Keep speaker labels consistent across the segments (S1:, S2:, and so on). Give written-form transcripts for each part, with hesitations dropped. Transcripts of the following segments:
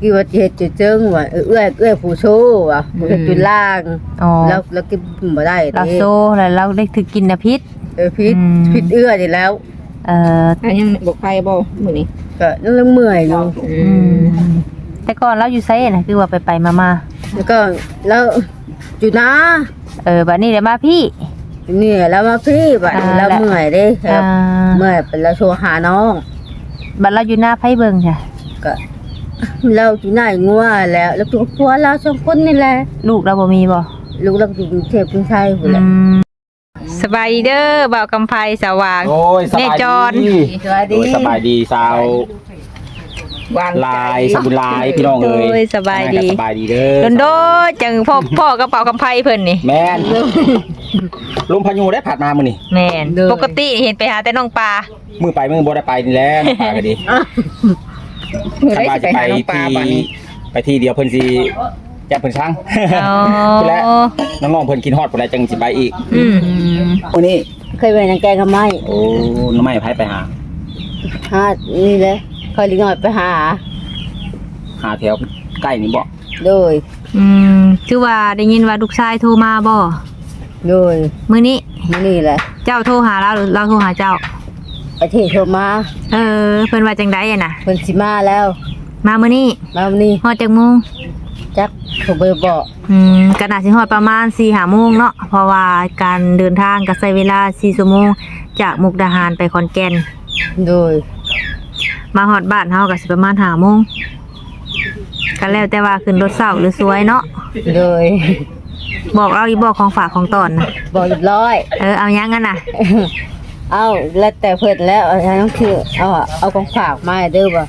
S1: กี่ว่าเฮ็ดจุดเจิงว่าเอื้อยผู้โชว่ะเฮ็ดจุดล่างแล้วกินบ่ได้
S2: เราโซ่แล้วเราได้ถือกินนะพิษ
S1: พิษเอื้อนี่แล้ว
S3: ยังบอกใครบ่มื้อนี้
S1: ก็ยังเมื่อยอยู่
S2: แต่ก่อนเราอยู่ไสน่ะคือว่าไปมา
S1: แล้วก็แล้วอยู่นะ
S2: บัดนี้ได้มาพี่
S1: นี่แล้วมาพี่บัดแล้วเมื่อยเด้เมื่อยเป็นแล้วโทรหาน้อง
S2: บัดเราอยู่หน้าไผเบิ่งจ้ะ
S1: ก็เราอยู่หน้างัวแล้วตัวผัวเรา2คนนี่แหละ
S2: ลูกเราบ่มีบ่
S1: ลูกเราอยู่กรุงเทพกรุงไทยพุ่นแหละ
S2: สบายเด้อบ่าวกำไพสว่างแม่จอน
S4: สบายดีสาวลายสบุลายพี่น้องเอ้ย
S2: สบายดี
S4: เด้อ
S2: โดจังพ่อกระเป๋ากำไพเพิ่นนี่
S4: แม่นลมพายุได้ผ่านมามื้อนี่
S2: แม่นปกติเห็นไปหาแต่น้องปลา
S4: มื้อไปมื้อบ่ได้ไปนี่แหละปลาก็ดีถ้าว่าจะไปที่เดียวเพิ่นสิจับเพิ่นช่างและน้องๆเพิ่นกินฮอดพุ่นแล้วจังสิไปอีก
S1: วันนี้เคยไปนางแกงกับไม้
S4: โอ้น้ำไม้ไผไปหา
S1: นี่แหละค่อยลิงน้อยไปหา
S4: แถวใกล้นี่บ่
S1: โดย
S2: คือว่าได้ยินว่าลูกชายโทรมาบ่
S1: โดย
S2: มื้อนี้
S1: แหละ
S2: เจ้าโทรหาเราหรือเราโทรหาเจ้า
S1: ประเทศโทรมา
S2: เพิ่นว่าจังได๋น่ะ
S1: เพิ่นสิมาแล้ว
S2: มามื้อนี้ฮอดจักโมง
S1: จักโทรไปบอก
S2: ก็น่าสิฮอดประมาณ 4-5 โมงเนาะเพราะว่าการเดินทางก็ใช้เวลา4ชั่วโมงจากมุกดาหารไปขอนแก่น
S1: โดย
S2: มาฮอดบ้านเฮาก็สิประมาณ5 โมงก็แล้วแต่ว่าขึ้นรถเช้าหรือสวยเนาะ
S1: โดย
S2: บอกเราอีบอกของฝากของตอนนะ
S1: บอกเรียบร้อย
S2: เอายังกันน่ะ
S1: เอาแล้วแต่เพิ่นแล้วต้องคือเอาของฝากมาเด้อบ่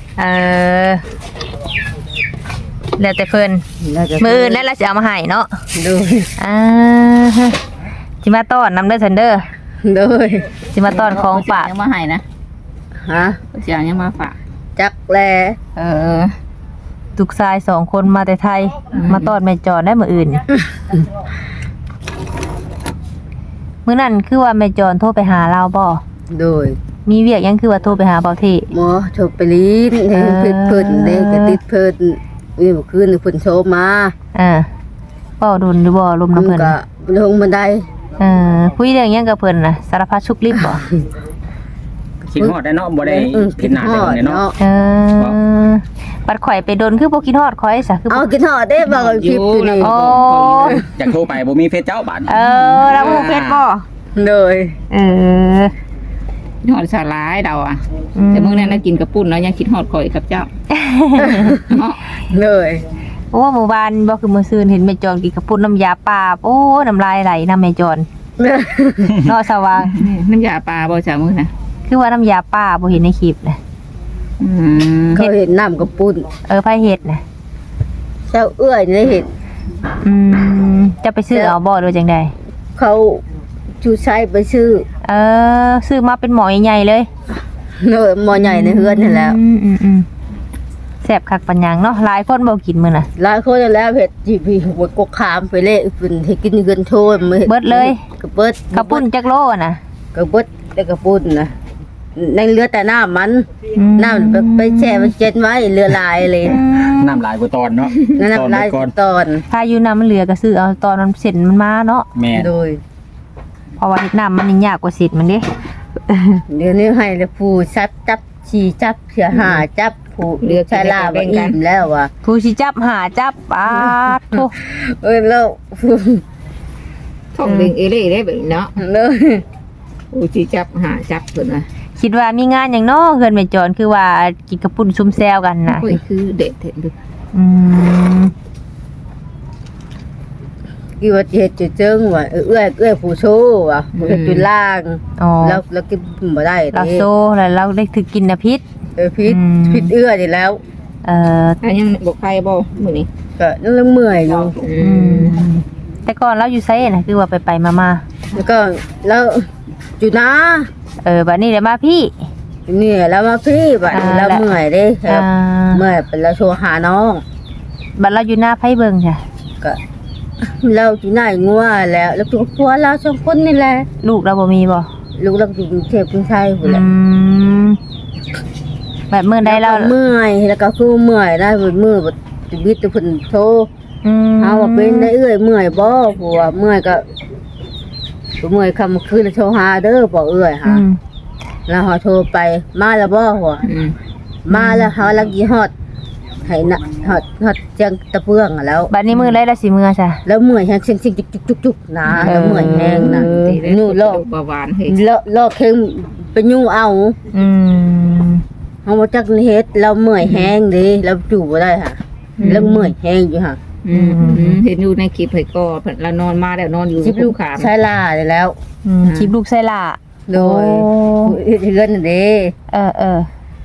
S2: แล้วแต่เพิ่นมื้ออื่นแล้วเราสิเอามาให้เนาะ
S1: ดู
S2: สิมาต้อนนำเด้อซันเด้อ
S1: โดย
S2: สิมาต้อนของฝาก
S3: ยังมาให้นะสิเอายังมาฝาก
S1: จักแล
S2: ลูกชาย2 คนมาแต่ไทยมาต้อนแม่จอนได้มื้ออื่นมื้อนั้นคือว่าแม่จอนโทรไปหาเราบ่
S1: โดย
S2: มีเวียกยังคือว่าโทรไปหาเบาเท
S1: หมอโทรไปลีนให้เพิ่นเด้ก็ติดเพิ่นนี่เมื่อคืนเพิ่นโทรมา
S2: เว้าดุนหรือบ่ลมน้ำเพิ่น
S1: ก็ลงบันได
S2: คุยเรื่องหยังกับเพิ่นน่ะสารพัดชุกลิบบ่
S4: คิดฮอดได้เนาะบ่ได้คิดหน้าได้เนาะ
S2: บัดข่อยไปดนคือบ่คิดฮอดข่อยซะคือ
S1: คิดฮอดได้บ่คลิปอยู่นี่
S4: อยากโทรไปบ่มีเฟซเจ้าบัด
S2: แล้วบ่เฟซบ่
S1: เลย
S3: ฮอดสาหร่ายดาวแต่มื้อนั้นน่ะกินกระปุ้นแล้วยังคิดฮอดข่อยกับเจ้า
S1: เลย
S2: โอ้หมู่บ้านบ่คือมื้อซื่นเห็นแม่จอนกินกระปุ้นน้ำยาป่าโอ้น้ำลายไหลนำแม่จอนเนาะสว่าง
S3: น้ำยาป่าบ่จ้ะมื้อน่ะ
S2: คือว่าน้ำยาป่าบ่เห็นในคลิปนะ
S1: เขาเห็นน้ำกระปุ้น
S2: ไผเฮ็ดน่ะ
S1: เจ้าเอื้อยได้เห็น
S2: จะไปซื้อเอาบ่หรือจังได๋
S1: เขาชูใช้ไปซื้
S2: อมาเป็นหมอใหญ่ๆเลย
S1: หมอใหญ่ในเฮือนนั่นแล้ว
S2: แซ่บคักปัญญังเนาะหลายคนบ่กินมื้อน่ะ
S1: หลายคนแล้วเผ็ดจีพีหัวกกขามไปเละเพิ่นให้กินเงินโทษ
S2: เบิดเลย
S1: ก็เบิด
S2: กระปุ้นจักโลน่ะ
S1: ก็เบิดแต่กระปุ้นนะในเรือแต่น้ำไปแช่มันเจ็ดไว้เรือลายเลย
S4: น้ำลายกว่าตอนเนาะ
S1: น้ำลายตอน
S2: ถ้าอยู่น้ำมันเหลือก็ซื้อเอาตอนมันเสร็จมันมาเนาะ
S4: แม่
S1: โดย
S2: เพราะว่าน้ำมันยากกว่าเสร็จมันดิ
S1: เดี๋ยวนี้ให้แล้วผู้จับฉี่จับเสือหาจับผู้เรือชาลาบอิ่มแล้วว่ะ
S2: ผู้ฉี่จับหาจับทุก
S1: แล้ว
S3: ท่องเบ่งเล่ได้แบบเนาะ
S1: เลย
S3: ผู้ฉี่จับหาจับเพิ่นน่ะ
S2: คิดว่ามีงานอย่างน้อเฮือนแม่จอนคือว่ากินกระปุ้นซุ่มแซวกันน่ะ
S3: คือเด็ดเห็นดู
S1: กี่ว่าเฮ็ดจุดเจิงว่าเอื้อยผู้โชว่ะเฮ็ดจุดล่างแล้วกินบ่ได้
S2: เราโซ่แล้วเราได้ถือกินนะพิษ
S1: พิษเอื้อยนี่แล้ว
S3: ยังบอกใครบ่มื้อนี้
S1: ก็ยังเมื่อยอยู่
S2: แต่ก่อนเราอยู่ไสน่ะคือว่าไปมา
S1: แล้วก็แล้วอยู่นะ
S2: บัดนี้ได้มาพี่
S1: นี่แล้วมาพี่บัดแล้วเมื่อยเด้เมื่อยเป็นแล้วโทรหาน้อง
S2: บัดเราอยู่หน้าไผเบิ่งจ้ะ
S1: ก็เราอยู่หน้างัวแล้วตัวผัวเรา2 คนนี่แหละ
S2: ลูกเราบ่มีบ่
S1: ลูกเราอยู่กรุงเทพกรุงไทยพุ่นแหละ
S2: แบบมื้อใดเรา
S1: เมื่อยแล้วก็คือเมื่อยได้มื้อบ่ชีวิตเพิ่นโทร
S2: อืม
S1: เฮาว่าเป็นได้เอื้อยเมื่อยบ่ผัวเมื่อยก็เมื่อยค่ำคืนโทรหาเด้อบ่เอื้อย
S2: อื
S1: หา
S2: ม
S1: แล้วเฮาโทรไปมาแล้วบ่หัว
S3: อืม
S1: มาแล้วเฮาลักยี่ฮอดให้นะฮอดเจียงตะเปื้องอะแล้ว
S2: บัดนี้มื้อใดเราสิมื้อซะ
S1: แล้วเมื่อยแฮงเซ็งๆจุกๆๆนะแล้วเมื่อยแฮงนะ
S3: ตีได้
S1: นู่นโลก
S3: เบาหวานเฮ้ย
S1: โลกเค็งไปยุ่งเอา
S2: อืม
S1: เฮาบ่จักเฮ็ดเราเมื่อยแฮงเด้เราจู่บ่ได้ค่ะแล้วเมื่อยแฮงอยู่ค่ะ
S3: เห็นอยู่ในคลิปเฮ้ยก็เพิ่นละนอนมาแล้วนอนอยู่
S1: ชิบลูก
S3: ขาม
S1: ใช้ลาได้แล้ว
S2: อืมคลิปลูกไส้ล่า
S1: โดย
S2: โอ้
S1: เฮือนนั่นเด้
S2: เออ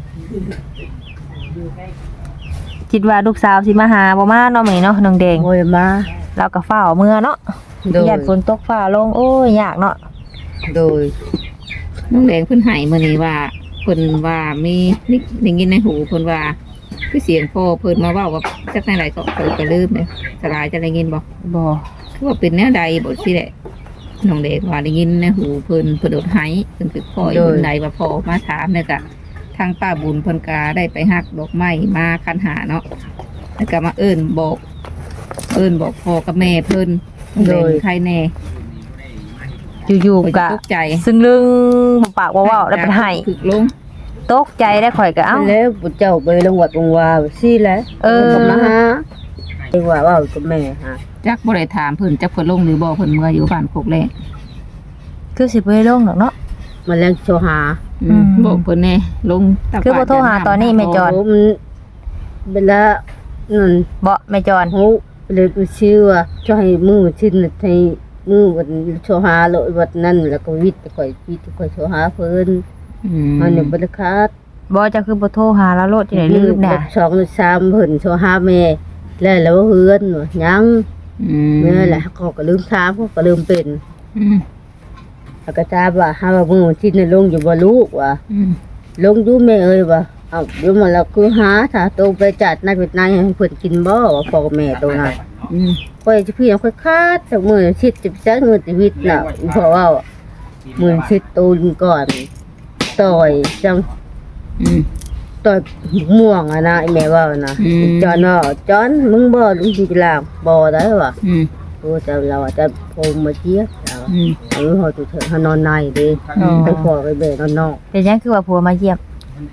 S2: คิดว่าลูกสาวสิมาหาบ่มาเนาะมื้อนี้เนาะน้องแดง
S1: โอ้ยมา
S2: เราก็ฟ้าวเมื่อเนาะ
S1: โดย
S2: ญาติฝนตกฟ้าลงโอ้ยยากเนาะ
S1: โดย
S3: น้องแดงเพิ่นให้มื้อนี้ว่าเพิ่นว่ามีได้ยินในหูเพิ่นว่าคือเสียงพ่อเพิ่นมาเว้าว่าจักไหนๆก็เพิ่นก็ลืมเลยสลายจะได้ยินบ่
S2: บ่
S3: คือว่าเป็นแนวใดบ่สิแหละน้องแดงว่าได้ยินในหูเพิ่นโดดให้เพิ่นคือพ่ออยู่ใดว่าพ่อมาถามเนี่ยก็ทางป้าบุญเพิ่นก็ได้ไปหักดอกไม้มาคันหาเนาะแล้วก็มาเอิ้นบอกพ่อกับแม่เพิ่นน้องแดงใครแน่
S2: อยู่
S3: ข่อย
S2: ๆก็
S3: ตกใจ
S2: ซึ่งลึงบ่ปากบ่เว้าได้เป็นไห้
S3: ถึกลง
S2: ตกใจได้ข่อยก็เอ้า
S1: แล้วปุเจ้าไปลงวัดลงวาซี่แหละ
S2: เออ
S1: ก็มาหาเรียกว่ากับแม่ฮะ
S3: จักบ่ได้ถามเพิ่นจักเพิ่นลงหรือบ่เพิ่นเมื่ออยู่บ้านโคกแรก
S2: คือสิบ่ได้ลงดอกเนาะ
S1: มาแรงโชหา
S3: บอกเพิ่นแน่ลงตา
S2: คือบ่โทรหาตอนนี้แม่จอน
S1: โอ้มันเวลานั่น
S2: บ่แม่จอน
S1: โหเลยชื่อว่าจะให้มือชิ้นให้มือวันโชหาเลยวัดนั้นแล้วก็วิทย์ค่อยโชหาเพิ่นมันเนี่ยบ่ได้ขาด
S2: บ่จะคือบ่โทรหาแล้วโลดจังได๋ลืมน่ะ
S1: สองหรือสามเพิ่นโชหาแม่แล้วเฮือนว่ายังแม่แหละเขาก็ลืมถามเขาก็ลืมเป็นแล้วก็ถามว่าหาว่ามือชิ้นลงอยู่บ่ลูกว่า ลงอยู่แม่เอ้ยว่าเอาเดี๋ยวมาแล้วคือหาถ้าโตไปจัดนายเป็นนายให้เพิ่นกินบ่ว่าพ่อกับแม่โตน่ะค่อยจะพี่ค่อยคาดจากมื้อชิดจะไปจักมื้อชีวิตน่ะเพราะว่ามื้อชิดตูนก่อนต่อยจังต่อยม่วงอ่ะนะไอ้แม่ว่านะจอนว่าจอนมึงบ่ลุงสิลางบ่ได้ว่ะโอ้จะเราจะโพมมาเจี๊ยบเฮาตุเถอะเฮานอนในเด้ไปพ่อไปแม่นอนนอก
S2: เป็นหยังคือว่าผัวมาเยี่ยม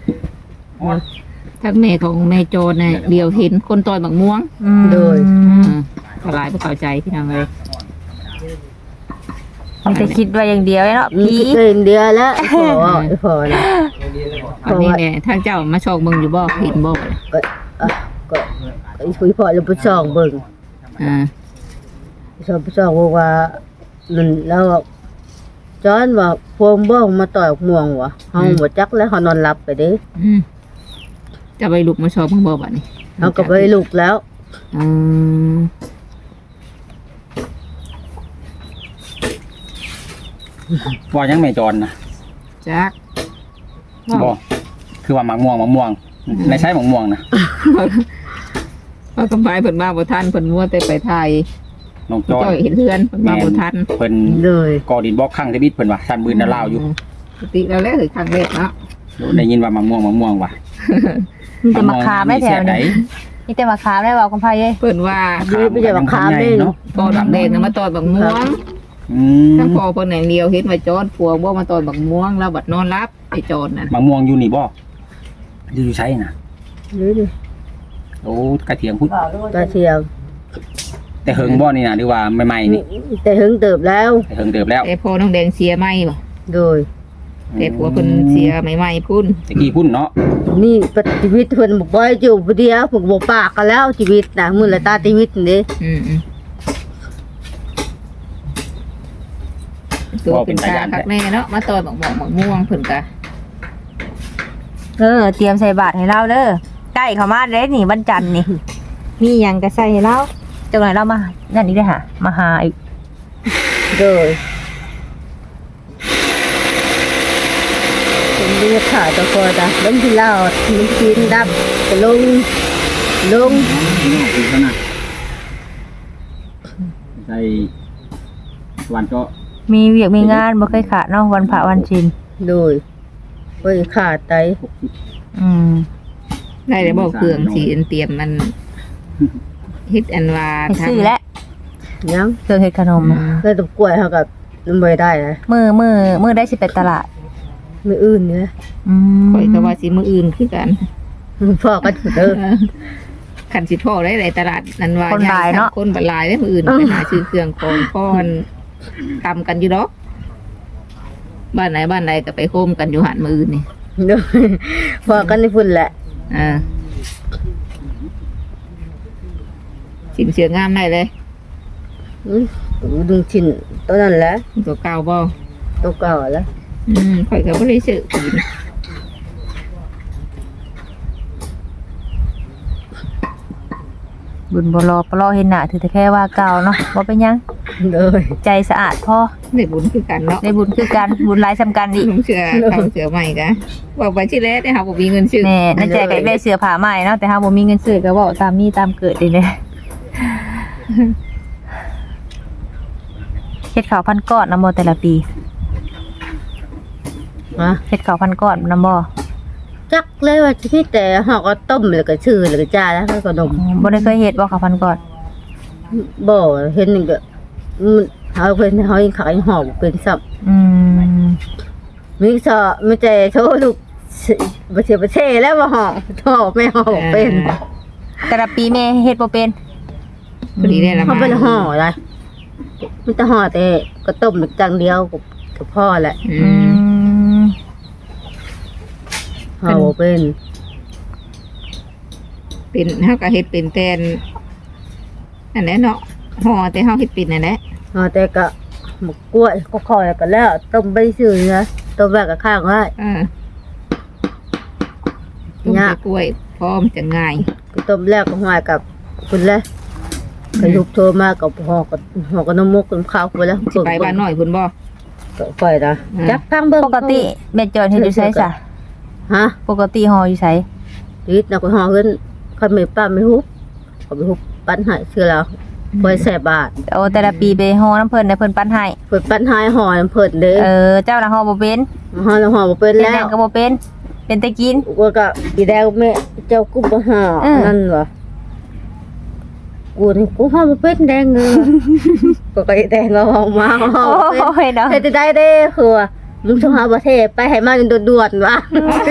S3: ทั้งแม่ของแม่โจรเนี่ยเดียวเห็นคนต่อยบักม่วง
S1: โดย
S3: สลายบ่เข้าใจพี่น้องเลย
S2: มันจะคิดว่าอย่างเดียวเนาะ
S1: มี
S2: ผี
S1: เกินเดือนแล้วพอนะ
S3: อันนี้เนี่ยทางเจ้ามาชอกมึงอยู่บ่เห็นบ่
S1: ก็ก็คุยพอแล้วไปส่องเบิ่ง
S3: อ่า
S1: ส่องบอกว่านั่นแล้วจอนว่าพวงบ่มาต่อยม่วงวะเฮาบ่จักแล้วเฮานอนหลับไปเด้
S3: จะไปลุกมาชอกมึงบ่บัดนี้
S1: เฮาก็ไปลุกแล้ว
S3: อืม
S4: ว่ายังไม่จรนะ
S3: จัก
S4: บ่คือว่าหมักม่วงในใช้หมักม่วงนะ
S3: ว่ากำไพเพิ่นมาบ่ทันเพิ่นมัวแต่ไปถ่าย
S4: น้องจอย
S3: จ้อยเห็นเฮือนเพิ่นมาบ่ทัน
S4: เพิ่น
S1: เลย
S4: ก่อดินบล็อกข้างทวิตเพิ่นว่าท่านบืนน่ะลาวอยู่
S3: ปกติแล้วแหละคือครั้งแรกเนาะ
S4: ได้ยินว่าหมักม่วงว่ะ
S2: มีแต่มาคามได้แถว
S4: ไหน
S2: นี้มีแต่มาคามได้เว้ากับไผเอ้ย
S3: เพิ่นว่า
S1: ไม่ใช่บังคับเด้
S4: เนาะ
S3: ตอนบักแดงน่ะมาตอนบักม่วง ทั้งพอเพิ่นอย่างเดียวเห็นว่าจอดผัวบ่มาตอนบักม่วงแล้วบัดนอนรับไอ้จอดนั่น
S4: หมักม่วงอยู่นี่บ่อยู่ใช้น่ะ
S1: นี่
S4: โอ้กระเทียมพุทธ
S1: ตาเชียว
S4: แต่เฮิงบ่นี่น่ะหรือว่าใหม่ๆนี่
S1: แต่หึงเติบแล้ว
S4: แต่เฮิงเติบแล้ว
S3: แต่พอน้องแดงเสียไหมบ่
S1: โดย
S3: แต่ผัวเพิ่นเสียใหม่ๆพุ่น
S4: ตะกี้พุ่นเนาะ
S1: นี่ชีวิตเพิ่นบ่บ่อยู่ผู้เดียวเพิ่นบ่ปากกันแล้วชีวิตน่ะมื้อละตาชีวิตนี่
S3: ตัวเป็นตาคักแน่เนาะมาตอนบักม่วงเพิ่นก็
S2: เตรียมใส่บาตรให้เราเด้อใกล้เข้ามาเด้นี่วันจันทร์นี่ มีหยังก็ใส่ให้เราจังไหนเรามานั่นอีกเด้อหามาหาอีก
S1: โดยเป็นเรียกขาตะกอดะล้มที่ลาวมันกินดับก็ลง
S4: อีกแล้วนะใช่วันก็
S2: มีเวียกมีงานบ่เคยขาดเนาะวันพระวันศีล
S1: โดยไปขาดไต
S2: อืม
S3: ได้แต่บอกเครื่องสีเตรียมมันเฮ็ดอันว่า
S2: ไปซื้อแล้ว
S1: ยัง
S2: เครื่องเฮ็ดขนมอะ
S1: เลยตบกล้วยเฮาก็บ่ได้นะ
S2: มื้อได้สิไปตลาด
S1: มื้ออื่นเนี่ย
S2: อืม
S3: ข่อยก็ว่าสิมื้ออื่นคือกัน
S1: พ่อก็เด้อ
S3: คันสิพ่อได้ในตลาดนั้นว่า
S2: คนหลายเนาะ
S3: คนบัดหลายได้มื้ออื่นไปหาซื้อเครื่องของพ่อนทำกันอยู่ดอกบ้านไหนก็ไปโฮมกันอยู่หันมื้ออื่นนี่
S1: เด้อพ่อกันนี่พุ่นแหละ
S3: สินเสืองามได้เลย
S1: ดึงชิ้นตัวนั้นแหละ
S3: ตัวเก่าบ่
S1: ตัวเก่าแล้ว
S3: ข่อยก็บ่ได้ซื้อกิน
S2: บุญบ่รอเห็นหน้าถือแต่แค่ว่าเก่าเนาะบ่เป็นหยัง
S1: เด้อ
S2: ใจสะอาดพอ
S3: ได้บุญคือกันเนาะ
S2: ได้บุญคือกันบุญหลายสำคัญอีก
S3: ลุงเสือเขาเสือใหม่กะบอกไปที่แรกได้ค่ะบ่มีเงินซื้อ
S2: แน่น่าใจก็ได้เสื้อผ้าใหม่เนาะแต่เฮาบ่มีเงินซื้อก็เว้าตามมีตามเกิดนี่แหละเฮ็ดข้าวพันก้อนนำบ่แต่ละปี
S1: ฮะ
S2: เฮ็ดข้าวพันก้อนนำบ่
S1: จักเลยว่าที่แต่เฮาก็ต้มแล้วก็ชื่อแล้วก็จ้าแล้วก็ขนม
S2: บ่ได้เคยเฮ็ดบ่ข้าวพันก้อน
S1: บ่เห็นนี่ก็มันเฮาเพิ่นเฮายังขายหอบเป็นซับ
S2: อืม
S1: มีซอมีแต่โชว์ลูกบ่เสียประเทศแล้วบ่หอบทอไม่หอบเป็น
S2: แต่ละปีแม่เฮ็ดบ่เป็น
S3: พอดีได้ละ
S1: เขา
S3: มา
S1: เป็นห่ออะไรมันจะห่อแต่ก็ต้มจังเดียวกับพ่อแหละ
S2: อืม
S1: ห่อบ่เป็น
S3: เป็นเฮาก็เฮ็ดเป็นแทนอันนั้นเนาะห่อแต่เฮาเฮ็ดเป็นนั่นแหละ
S1: ห่อแต่ก็หมกกล้วยก็คอยกันแล้วต้มไปซื่อนะต้มแบบกับข้างไว้
S3: ต้ม
S1: ยาก
S3: ใส่กล้วยพร้อมจะง่าย
S1: ก็ต้มแล้วก็ห่อกับคุณเลยก็ยุบโทรมากับห่อกับน้ำมุกน้ำข้าวไปแล้ว
S3: สิไปบ้านน้อยพุ่นบ่
S1: ก็ปล่อยนะจับข้างเบิ่ง
S2: ปกติแม่จอนเฮ็ดอยู่ไสซะ
S1: ฮะ
S2: ปกติห่ออยู่ไส
S1: นิดนะก็ห่อขึ้นคันไม่ป้าไม่ฮุบก็ไปฮุบปั้นให้เชื่อแล้วปล่อยแสบบาท
S2: โอ้แต่ละปีไปห่อน้ำเพิ่นได้เพิ่นปั้นให้
S1: เพิ่นปั้นให้ห่อน้ำเพิ่นเด้
S2: เจ้าน่ะห่อบ่เป็น
S1: ห่อแล้วห่อบ่เป็น
S2: เป็น
S1: แล้
S2: แดง
S1: ว
S2: ก็บ่เป็น เป็นแต่กิน
S1: ว่าก็อีแดงแม่เจ้ากุบห่อ นั่นวะกูนี่กูห่อบ่เป็นแดงเงยก็อีแดงก็ห่อมาห่อ
S2: โอ้
S1: บ่เป็น
S2: ยเนาะ
S1: เฮ็ดได้เด้คือว่ามึงต้องหาประเทศไปให้มาด่วนๆวะ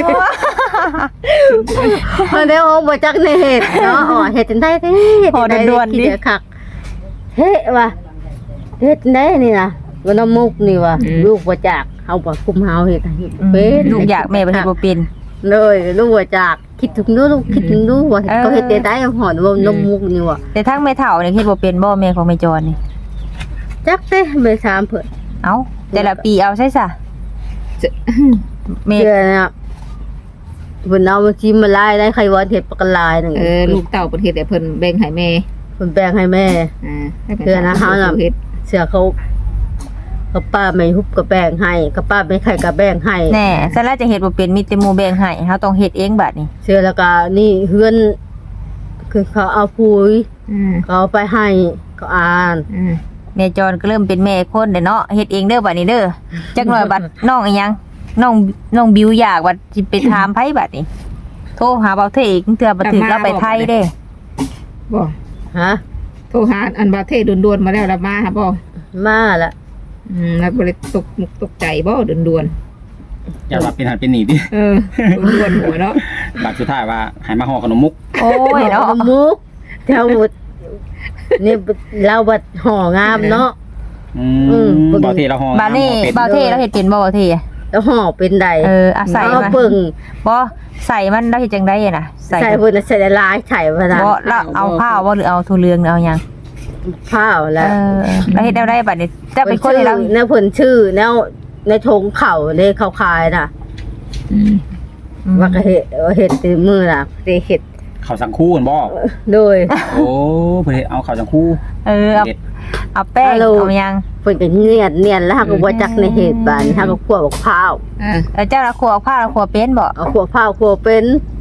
S1: เพิ่นได้ห่อบ่จักในเฮ็ดเนาะอ๋อเฮ็ดจังได๋เด้คิดคักเฮ้ว่ะเฮ็ดได้นี่นะว่าน้ำมุกนี่ว่ะลูกบ่จักเฮาบ่คุมเฮาเฮ็ดให้เป็น
S2: ลูกอยากแม่บ่เฮ็ดบ่เป็น
S1: เลยลูกว่าจากคิดถึงนู้นลูกคิดถึงนู้นว่าเขาเฮ็ดได้หอนว่านมมุกนี่ว่ะ
S2: แต่ทั้งแม่เฒ่านี่เฮ็ดบ่เป็นบ่แม่ของแม่จอนนี่
S1: จักเต้ไปถามเพิ่น
S2: เอ้าแต่ละปีเอาใช่ซะแม่
S1: เดือนน่ะเพิ่นเอามาจิ้มมาลายได้ใครว่าเฮ็ดปากกาลายนึง
S3: ลูกเต้าประเทศแต่เพิ่นแบ่งให้แม่
S1: เพิ่นแบ่งให้แม่
S3: ให้ป็
S1: เดือนนะเฮาน่ะ
S3: เฮ็ด
S1: เสือเขาป้าไม่ฮุบก็แบ่งให้กับป้าไม่ไข่ก็แบ่งให้
S2: แน่ซะแล้วจะเฮ็ดบ่เป็นมีแต่หมู่แบ่งให้เฮาต้องเฮ็ดเองบัดนี้
S1: เสือแล้วก็นี่เฮือนคือเขาเอาปุ๋ย เขาเอาไปให้เขาอ่าน
S2: แม่จอนก็เริ่มเป็นแม่คนเด้เนาะเฮ็ดเองเด้อบัดนี้เด้อจักหน่อยบัดน้องอีหยังน้องบิวอยากว่าสิไปถามไผบัดนี้โทรหาเบาเทอีกเทื่อบ่ถึกแล้วไปไทยเด้
S3: บ่
S1: ฮะ
S3: โทรหาอันประเทศด่วนๆมาแล้วละมาหาบ่
S1: มาละ
S3: แล้วบ่ได้ตกมุกตกใจบ่ด่วน
S4: อย่าว่าเป็นหันเป็นหนีดิ
S3: ด่วนๆหัวเนาะ
S4: บัดสุดท้ายว่าให้มาห่อขนมมุก
S2: โอ้ยเนาะ
S1: นมมุกแถวนี่เราบัดห่องามเนาะ
S4: บ่เทเราห่อ
S2: บัดนี้เบาเทเราเฮ็ดเป็นบ่เบาเท
S1: แล้วห่อเป็นใด
S2: อาศัย
S1: เอา
S2: มา
S1: ปึ่ง
S2: บ่ใส่มันได้เฮ็ดจังได๋น่ะ
S1: ใส่เพิ่นใส่ละลายใส่พะนะ
S2: บ่แล้วเอาผ้าบ่หรือเอาถั่วเหลืองเอาหยัง
S1: ข้าวแล้ว
S2: แล้วเฮ็ดแนวใดบัดนี้จะเป็นคนที่เรา
S1: แนวเพิ่นชื่อแนวในธงเข่าในเขาคายน่ะว่าก็เฮ็ดตีมือน่ะสิเฮ็ด
S4: ข้าวสังคู่กันบ่
S1: โดย
S4: โอ้เพิ่นเฮ็ดเอาข้าวสังคู่
S2: เอาแป้งเอาหยัง
S1: เพิ่นก็เนียนแล้วก็บ่จักในเหตุบานถ้าก็คั่วบักพร้าว
S2: เจ้าละขัวเอาผ้าละขัวเป็นบ่
S1: เอาคั่วพร้าวคั่วเป็น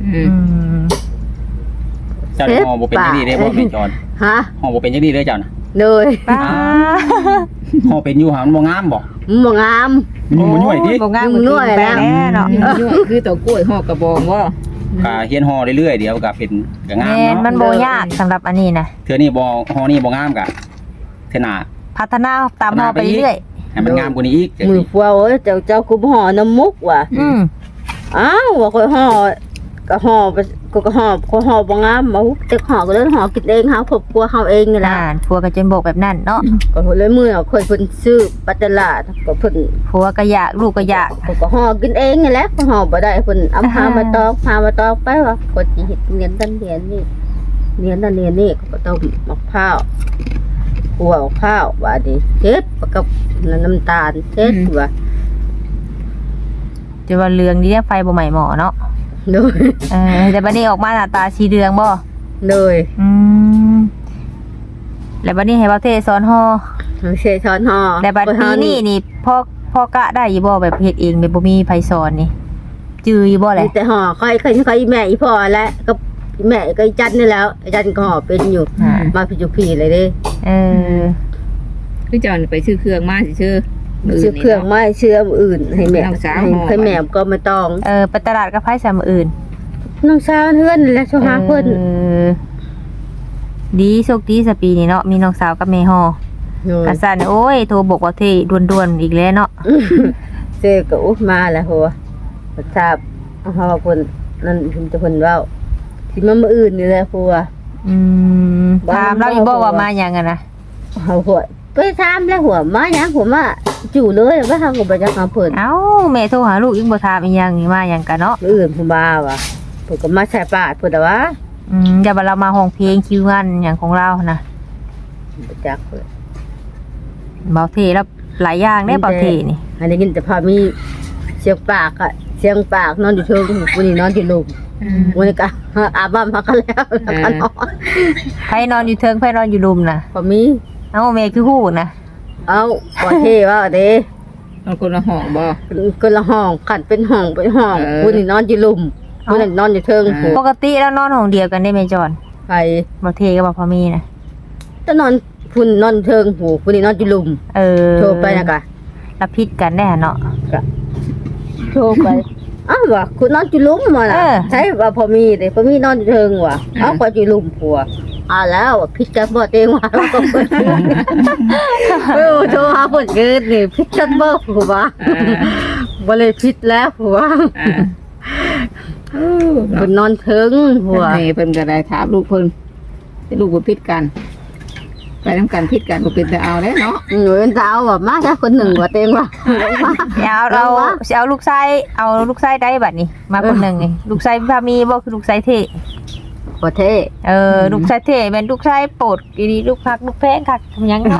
S4: เจ้าห่อบ่เป็นจังนี้เด้บ่แม่จอน
S1: ฮะ
S4: ห่อบ่เป็นจังนี้เด้อเจ้าน่ะ
S1: โดย
S2: ป้า
S4: ห่อเป็นอยู่หามันบ่งามบ่
S1: บ่งาม
S4: มันยุ่ยติ
S2: บ่งาม
S1: ยุ่ย
S2: แน่เนาะ
S3: คือตัวกล้วยห่อกระบองบ่
S1: ฮ
S4: ก็เฮียนฮอเรื่อยๆเดี๋ยวก็เป็นก็งาม
S2: แม่นมั
S4: เนาะ
S2: นบ่ยากสำหรับอันนี้นะ
S4: เทื่อนี้บ่ฮอนี่บ่งามก็เทื่อหน้า
S2: พัฒนาตามเฮาไปเรื่อย
S4: ให้มันงามกว่านี้อีก
S1: มือฟัวเอ้ยเจ้าคุมห่อน้ำมุกว่ะ
S2: อืม
S1: อ้าวว่าค่อยห่อก็ห่อไปก็ห่อก็ห่อบ่งามมาแต่ห่อก็เลยห่อกินเองเฮาครอบครัวเฮาเองนี่ล่ะ
S2: ผัวก็จนบอกแบบนั้นเนาะ
S1: ก็เลยมื้อค่อยเพิ่นซื้อปัตตลาดก็เพิ่น
S2: ผัวก็อยากลูกก็อยาก
S1: ก็ห่อกินเองนี่แหละก็ห่อบ่ได้เพิ่นเอาพามาตอกไปว่าก็สิเฮ็ดเรียนนั่นเรียนนี่เรียนนั่นเรียนนี่ก็ต้องมะพร้าวคั่วมะพร้าวว่าดิเฮ็ดกับน้ำตาลเฮ็ดว่า
S2: จะว่าเรืองนี่ไฟบ่ใหม่หมอเนาะ
S1: โดย
S2: แต่บัดนี้ออกมาหน้าตาสีเรืองบ่
S1: โดย
S2: อืมแล้วบัดนี้ให้บ่าวเทสอนห่อ
S1: เชยช้อนห่อ
S2: แต่บัดปีนี้นี่พ่อกะได้อยู่บ่แบบเฮ็ดเองแบบบ่มีไผสอนนี่จืออยู่บ่แหละ
S1: มีแต่ห่อค่อยแม่อีพ่อและก็แม่ก็อีจันนี่แล้วอีจันก็ห่อเป็นอยู่มาพิจุพีเลยเด้
S2: เออ
S3: คือจอนไปซื้อเครื่องมาซื่อๆ
S1: ซื้อเครื่องไม้เชื่อมอื่นให้แม่
S3: น้องสาวห่อ
S1: ให้แม่ก็ไม่ต้อง
S2: ไปตลาดกับไผสามออื่น
S1: น้องสาวเฮือนและชาวหาเพิ่น
S2: ดีโชคดีสปีนี่เนาะมีน้องสาวกับแม่ห่อ
S1: โดย
S2: กะสั่นโอ้ยโทรบอกว่าเทด่วนๆอีกแล้วเนาะ
S1: เจก็อุ๊บมาแล้วหัวบ่ทราบเฮาเพิ่นนั่นเพิ่นจะเพิ่นเว้าสิมามื้ออื่นนี่แหละผัว
S2: อืมถามเราอีกบ่ว่ามาหยังอะนะ
S1: เฮาหัวไปถามแล้วหัวมาหยังผมว่าจู่เลยว่าเฮาก็บ่จักหาเพิ่น
S2: เอ้าแม่โทรหาลูกอีกบ่ถามอีหยังนี่มาหยังกันเนาะ
S1: มื้ออื่นผมว่าว่ะเพิ่นก็มาใส่ปาดเพิ่นน่ะวะ
S2: อย่าว่าเรามาห้องเพลงคิวงานหยังของเรานะ
S1: บ่จักเลย
S2: เบาเทแล้วหลายอย่างได้เบาเทนี่
S1: อันนี้กินแต่พอมีเสียงปากอะเสียงปากนอนอยู่เทิงวันนี้นอนอยู่ลุมวันนี้ก็อาบน้ำพักกันแล้วแล้วก็นอน
S2: ไผนอนอยู่เทิงไผนอนอยู่รุมนะ
S1: พอมี
S2: เอ้าแม่คือฮู้นะ
S1: เอาก่อนเทว่าเด้
S3: เอาคนละห้องบ่
S1: คนละห้องขันเป็นห้องเป็นห้อง
S3: เออ
S1: วันนี้นอนอยู่ลุมวันนี้นอนอยู่เทิงผู
S2: ปกติแล้วนอนห้องเดียวกันได้ไหมจอน
S1: ไป
S2: เบาเทกับเบาพอมีนะ
S1: จะนอนพุ่นนอนเทิงผูวันนี้นอนอยู่ลุม
S2: เออ
S1: โทรไปนะกะ
S2: รับผิดกันได้เนาะ
S1: โทรไปอ้าวว่ะคุณนอนอยู่ลุมมาล่ะ
S2: เออ
S1: ใช่ว่าพอมีเด้พอมีนอนอยู่เทิงว่ะเอาก็อยู่ลุมผัวแล้วพิษกันบ่เต็งว่าเราก็เปิดโอ้โทรหาเพิ่นเกิดนี่พิษกันบ่ผัวบ่เลยพิษแล้วผัว
S3: อ่า
S1: เพิ่นนอนเทิงผัว
S3: นี่เพิ่นก็ได้ถามลูกเพิ่นให้ลูกบ่ผิดกัน ไปนำกันผิดกันบ่เป็นแต่เอาแล้วเนาะ
S1: หนูเป็นสาวว่ามาแค่คนหนึ่งว่าเต็งว่ามา
S2: เอาลูกชายเอาลูกชายได้บัดนี้ มาคนหนึงนี่ลูกชายพามีบ่คือลูกชายเท
S1: บ่เท่
S2: ลูกชายเทเป็นลูกชายโปรดดีลูกพักลูกแพงคักทำหยังเนาะ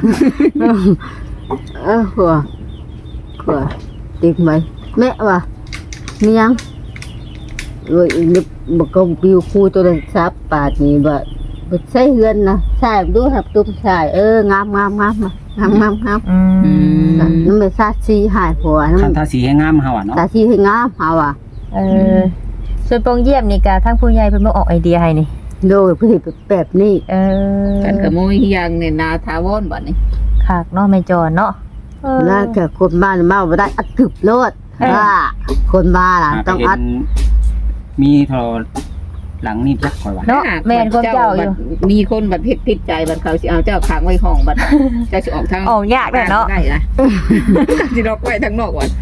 S1: ผัวติดไหมแม่ว่ามียังrồi một công biêu khu tôi đang sắp bà thì bà xây gần nè xài đứa hợp tung xài ngam nó mới sát xi hại của
S4: คัน
S1: nó
S4: ทาสีให้งามเฮาอ่ะเนาะ
S1: sát xi hay ngam hả à
S2: ส่วนปองเยี่ยมนี่ก็ทั้งผู้ใหญ่เพิ่นมาออกไอเดียให้นี่
S1: rồi cái thì bẹp nị
S3: กันก็บ่มีอย่างในนาถาวรบัดนี้
S2: คักเนาะแม่จอนเนาะ
S1: là cả con ba mà vào đây ăn cực luôn con ba là
S4: ไป
S1: ต้อง
S4: เห็
S1: ăn
S4: นมีโทรหลังนี่จักข่อยว่า
S2: เนาะแม่นคนเจ้าอยู่
S3: มีคนบัดผิดผิดใจบัดเขาสิเอาเจ้าขังไว้ห้องบัดเจ้าสิออกทาง
S2: ออกยากแหละเนาะ
S3: ได้นะสิล็อกไว้ทางนอกก่อน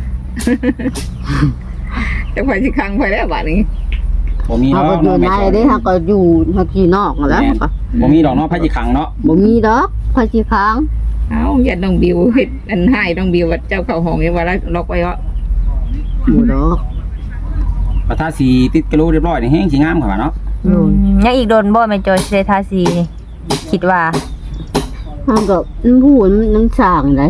S3: จังไผสิขังไว้แล้วบัดนี้
S4: บ่มี
S1: họ
S4: เนาะ
S1: có vừa này đấy họ có dù họ chỉ nọ là
S4: บ่มีดอกเนาะไผสิขังเนาะ
S1: bộ mi đó phải chỉ kháng
S3: เอาอย่าน้องบิวเฮ็ดอันให้น้องบิวว่าเจ้าเข้าห้องนี่ว่าแล้วล็อกไว้ว่า
S1: bộ đó
S4: ว่าถ้าสีติดกระโหลกเรียบร้อยนี่แฮงสิงามกว่าเนาะ
S2: ยังอีกโดนบ่แม่จอยสิได้ทาสีนี่คิดว่า
S1: họ có nó buồn nó sàng đấy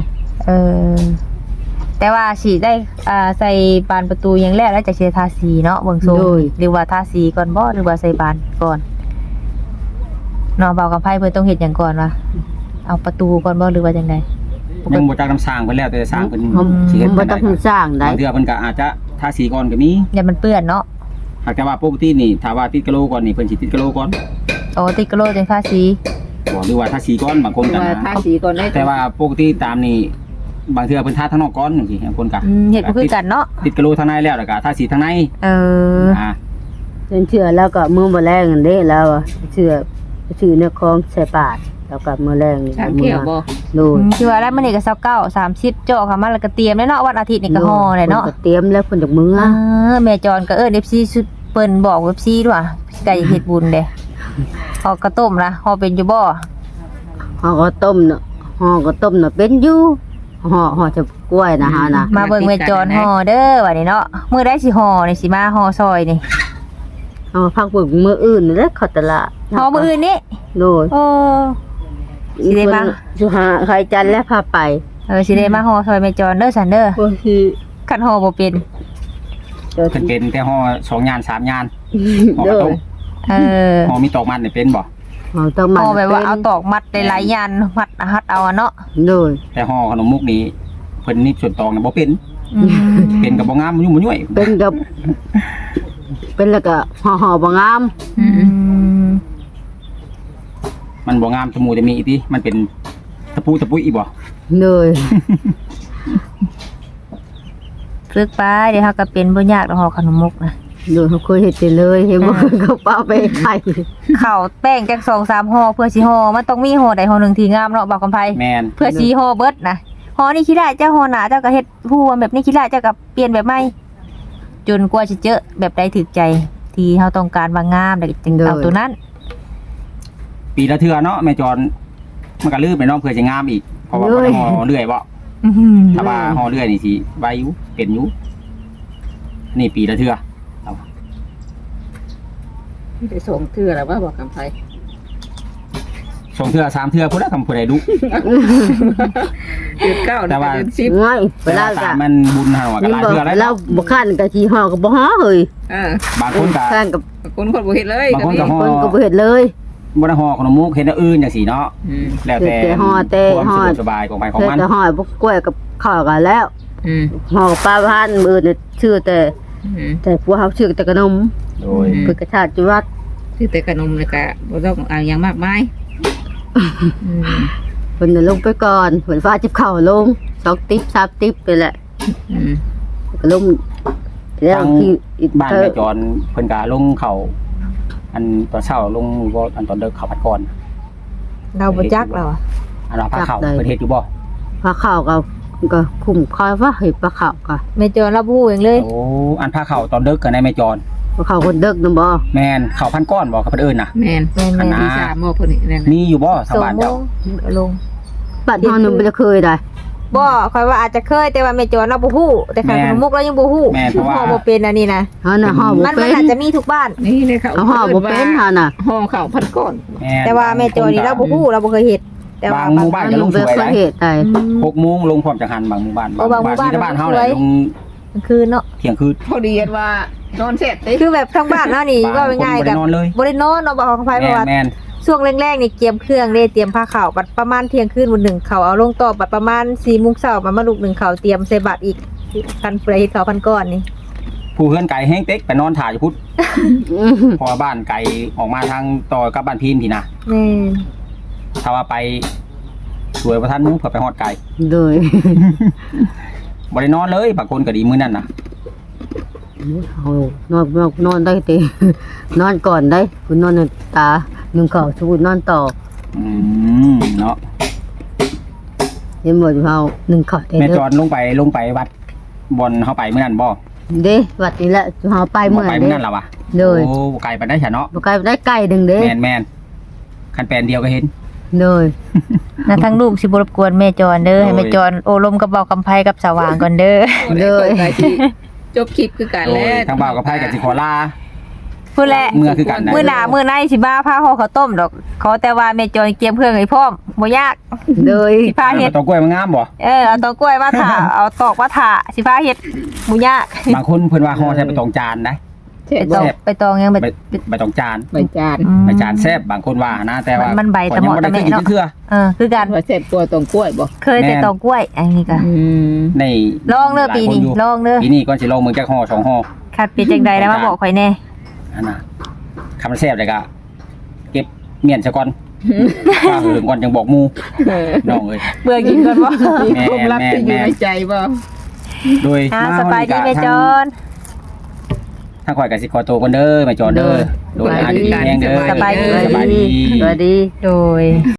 S2: แต่ว่าสีได้ใส่บานประตูอย่างแรกแล้วจะเชียทาสีเนาะเบิ่งทรงหรือว่าทาสีก่อนบ่หรือว่าใส่บานก่อนเนาะเบากับไผเพิ่นต้องเฮ็ดหยังก่อนวะเอาประตูก่อนบ่หรือว่าจังได
S4: ยังบ่จักน้ำสร้างเพิ่นแล้วแต่สร้างเพิ่น สิเฮ็ด
S1: không
S4: บ่
S1: có
S4: ได้
S1: tao sàng
S4: บาง
S1: đấy
S4: เทื่อเพิ่นก็อาจจะทาสีก่อนก็มี
S2: อย่ามันเปื้อนเนาะ
S4: หากแต่ว่าปกตินี่ถ้าว่าติดกระโหลกก่อนนี่เพิ่นสิติดกระโหลกก่อน
S2: โอ้ติดกระโหลกจังทาสี
S4: บ่หรือว่าทาสีก่อนบางคนก็
S3: ว่า
S4: นะ
S3: ทาสีก่อนได้
S4: แต่ว่าปกติตามนี่บางเทื่อเพิ่นทาทางนอกก่อนจังซี่บางคนก็
S2: เฮ็ดบ่คือกันเนาะ
S4: ติดกระโหลกทางในแล้วก็ทาสีทางใน
S2: เออ
S4: อ่า
S1: เจเป็นเชื่อแล้วก็มื้อบ่แรงนั่นเด้แล้วอะเชื่อชื่อเนื้อของใส่ปากแล้วก็มื้อแรงนี่
S3: สามเที่ยวบ่
S1: โดย
S2: คือว่าแล้วมื้อนี้ก็29 30เจาะเข้ามาแล้วก็เตรียมแล้วเนาะวันอาทิตย์นี่ก็ห่อเลยเนาะ
S1: พิ่ก็เตรียมแล้วเพิ่นจากมื้อ
S2: แม่จอนก็เอิ้น FC สุดเปิ้นบอก FC ด้วยไก่เฮ็ดบุญเด้ห่อกระต้มนะห่อเป็นอยู่บ่
S1: ห่อก็ต้มเนาะห่อก็ต้มเนาะเป็นอยู่ห่อจะกล้วยนะฮะนะ
S2: มาเบิ่งแม่จอนห่อเด้อว่านี่เนาะมื้อใดสิห่อนี่สิมาห่อซอยนี่
S1: เอาพักเบิ่งมื้ออื่นนี่แหละเขาตลาด
S2: ห่อมื้ออื่นนี้
S1: โดย
S2: โอ้สิได้มา
S1: สุหาใครจันทร์และพาไป
S2: สิได้มาห่อซอยแม่จอนเด้อซั่นเด้อ
S1: บ่สิ
S2: คันห่อบ่เป็น
S1: เดี๋ยว
S4: เพิ่นเป็นแต่ห่อ2ยาน3ยานห่อ
S1: โด
S4: กระต้
S1: ย
S4: ม ห่อมีตอกมันนี่เป็นบ่
S1: เอาต้องมา
S2: ห่อแบบว่าเอาตอกมัดหลายๆยันมัดหัดเอาอะเนาะ
S1: โดย
S4: แต่ห่อขนมมุกนี่เพิ่นนี่ส่วนตองน่ะบ่เป็น
S2: อืม
S4: เป็นก็บ่งามยุ่งบ่ย่วย
S1: เป็นกับเป็นแล้วก็ห่อบ่งาม
S2: อืม
S4: มันบ่งามจมูกจะมีอีติมันเป็นตะปูตะปุยอีบ่
S1: โดย
S2: ฝึกไปเดี๋ยวเฮาก็เป็นบ่ยากดอกห่อขนมมุกนะ
S1: โดยเขาเคยเฮ็ดไปเลยเห็นบ่เขาเป้าไปให้
S2: ข้าวแป้งจัก2-3ห่อเพื่อสิห่อมันต้องมีห่อใดห่อหนึงที่งามเนาะบ่าวกำไผ
S4: แม่น
S2: เพื่อสิห่อเบิดนะห่อนี่ขี้ได้เจ้าห่อหนาเจ้าก็เฮ็ดผู้แบบนี้ขี้ได้เจ้าก็เปลี่ยนแบบใหม่จนกว่าสิเจอแบบใดถูกใจที่เฮาต้องการว่างามแล้วก็จึงเอาตัวนั้น
S4: ปีละเทื่อเนาะแม่จอนมันก็ลืมไปเนาะเพื่อจะงามอีกเพราะว่าบ่ได้ห่อเรื่อยบ่
S2: อื้อหือ
S4: ถ้าว่าห่อเรื่อยนี่สิไว้อยู่เป็นอยู่นี่ปีละเทื่อ
S3: ไปส่งเทื่อแล้วว่าบอกกันไป
S4: 2เทื่อ3เทื่อพุ่นละคำผู้ใดดุ
S3: เดือนเก้า
S4: แต่ว่า
S3: เดือนสิบ
S1: ง่ายเวลา
S4: ตา
S1: ก็
S4: มมันบุญเฮาก็หลายเทื่อแล้ว
S1: เราบ่คันก็สิห่อก็บ่ห่อเฮ้ย
S4: บางคนก็
S1: คันกับ
S3: คนบ่เห็นเลย
S4: บางคนก็ห่อ
S1: คนก็บ่เฮ็ดเลย
S4: บ่ได้ห่อขนมมุกเฮ็ดอันอื่นจังซี่เนาะแล้วแต่
S1: แต่ห่อแต่
S4: ความ
S1: ห่อ
S4: สะดวกสบายของไปของ
S1: แต่
S4: มัน
S1: จะห่อบ่กล้วยกับข้าวกันแล้ว
S3: อืม
S1: ห่อปลาพันมื้อนี่ชื่อแต่พวกเฮาชื่อแต่ขนม
S4: โดย
S1: เพิ่นก็ชาติจุวัด
S3: คือแต่ขนมเลยกะบ่ต้องเอาอย่างมากมาย
S1: เพิ่นน่ะลงไปก่อนเพิ่นฟ้าจิบข้าวลง2ติ๊บ3ติ๊บไปแหละก็ลงแล้วที่อีก
S4: บ้านแม่จอนเพิ่นก็ลงเขาอันตอนเช้าลงบ่อันตอนเด็กเขาพัดก่อน
S2: เราบ่จักแล้วอะ
S4: อันว่าพาเขาเพิ่นเฮ็ดอยู่บ่
S1: ปลาข้าวก็คุ้มค่อยว่าเฮ้ยปลาข้าวก็
S2: แม่จอนเราบ่ฮู้เองเลย
S4: โอ้อันพาเขาตอนเด็กก็ในแม่จอน
S1: ปลาข้าวคนเด็กนำบ่
S4: แม่นเขาพันก้อนบ่กับเพิ่นเอิ้นน่ะ
S3: แม่น
S2: แม่น
S4: อัน
S2: ๆ
S4: น่ะ
S3: ที่สามโมเพิ่นนี่นั่น
S4: มีอยู่บ่ทางบ้าน
S2: 2โม
S4: เจ้าง
S2: ลง
S1: บ้านเฮานึงบ่ได้เคยได้
S2: บ่ค่อยว่าอาจจะเคยแต่ว่าแม่จอนเราบ่ฮู้แต่ขนมมุกเรายังบ่ฮู้
S4: แม่นเพราะว่า
S2: ห่อบ่เป็นอันนี้นะ
S1: เฮาน่ะห่อบ่
S2: มัน
S1: เป็
S2: อาจ
S1: น
S2: จะมีทุกบ้าน
S3: นี่เลยเขา
S1: เอาห่อบ่เป็นเฮาน่ะ
S3: ห่อข้าวพันก้อน
S4: ม่น
S2: แต่ว่าแม่จอยนี่เราบ่ฮู้เราบ่เคยเฮ็ดแต่ว่า
S4: บางหมู่บ้านก็ลงสวย
S1: เค
S4: ได้
S1: ยเฮ็ดได้
S4: 6โมงลงพร้อมจังหันบางหมู่บ้าน
S2: โอ้บางหมู่บ้าน
S4: ที่บ้านเฮา
S2: ลงสวย
S4: เนี่ยลง
S2: กลางคืนเนาะ
S4: เที่ยงคืน
S3: พอดีกันว่านอนเสร็จติ
S2: คือแบบทั้งบ้านเนาะนี่
S4: บาง
S2: ว่าง่าย
S4: คน
S2: ๆ
S4: บ่
S2: กั
S4: ได้
S2: บ
S4: นอนเลย
S2: บ่ได้นอนเนาะบอกของไผเพราะว่า
S4: แม่น
S2: ช่วงแรกๆนี่เตรียมเครื่องเด้เตรียมผ้าขาวบัดประมาณเที่ยงคืนวันหนึ่งเขาเอาลงต่อบัดประมาณ4:00 นมาลูกหนึ่งเขาเตรียมใส่บาตรอีกพันเฟรเขาพันก้อนนี่
S4: ผู้เฮือนไก่แห้งเต็กไปนอนถ่ายอยู่พุทธเพราะว่าบ้านไก่ออกมาทางต่อกับบ้านพีนพี่นะ
S2: แม่น
S4: ถ้าว่าไปสวยประทันหมุ้งเผื่อไปฮอดไก่
S1: โดย
S4: บ่ได้นอนเลยบางคนก็ดีมื้อนั้นน่ะ
S1: เอานอนได้ติ นอนก่อนได้คุณนอนตา1ข้าวสู้นอนต่อ
S4: เนาะ
S1: เห็นบ่อยู่เฮา1ข้าวได้
S4: แม่
S1: เด้
S4: จ
S1: อ
S4: อนลงไปวัดบอนเฮาไปมื้อนั้นบ่
S1: เด้วัดนี่แหละเฮาไป
S4: บ่
S1: เมื่อ
S4: ไป
S1: เด้
S4: มื้อนั้นล่ะวะ
S1: โดย
S4: โอ้ไก่ปานได้ซะเนาะ
S1: บ่ไกลได้ไก่หนึงเด้
S4: แม่นคันแปลนเดียวก็เห็น
S1: โดย
S2: นะทั้งลูกสิบ่รบกวนแม่จอนเด้อให้แม่จอนโอลมกับเบาคำไผกับสว่างก่อนเด้อ
S3: เลยจบคลิปคือกัน
S4: โด
S3: แล้
S4: ยว ทางบ่าวกับไผก็สิขอลา
S2: พูดแหละ
S4: เมื่อคือกันนะ
S2: มื้อหน้ามื้อในสิบ้าพาห่อข้าวต้มดอกขอแต่ว่าแม่จอยเตรียมเครื่องให้พร้อมบ่ยาก
S1: โดย
S2: สิพาเฮ็ด
S4: ตอกล้วยมันงามบ่
S2: เอาตอกล้วยมาถ่า เอาตอกมาถ่าสิพาเฮ็ดบ่ยาก
S4: บางคนเพิ่นว่าห่อใส่ใบตองจานนะ
S3: เช็ด
S2: ไปตองยังไป
S4: ใบตองจาน
S3: ใบจาน
S4: ใบจานแซ่บบางคนว่านะแต่ว่า
S2: มันใบตะเหมาะ
S4: ข้อยยังบ่ได้
S2: ตะแม่
S4: เคยกิน
S2: เนาะ
S4: เทื่อ
S2: คือกัน
S3: ว่าเสร็จกลัวตรงกล้วยบ่
S2: เคยแต่ตอกล้วยอันนี้ก็
S4: ใน
S2: ลองเด้อปีนี้ลองเด้อ
S4: ปีนี้ก่อนสิลองเมืองจักห่อ2ห่อ
S2: คัดเป็นจังใดแล้วมาบอกข่อยแน่
S4: อันน่ะคำมันแซ่บเลยก็เก็บเมียนซะก่อนว่าหืมก่อนจังบอกหมู่น้องเอ้ย
S2: เบื่อกินก่อนบ่
S4: แม่
S3: ความลับที่อยู่ในใจบ่
S4: โดย
S2: สบายดีแม่จอน
S4: ทางข่อยก็สิขอตัวก่อนเด้อแม่จอนเด้อโดยอาดีแฮงเด้อ
S2: สบายดี
S4: สบายดี
S1: สวัสดี
S2: โดย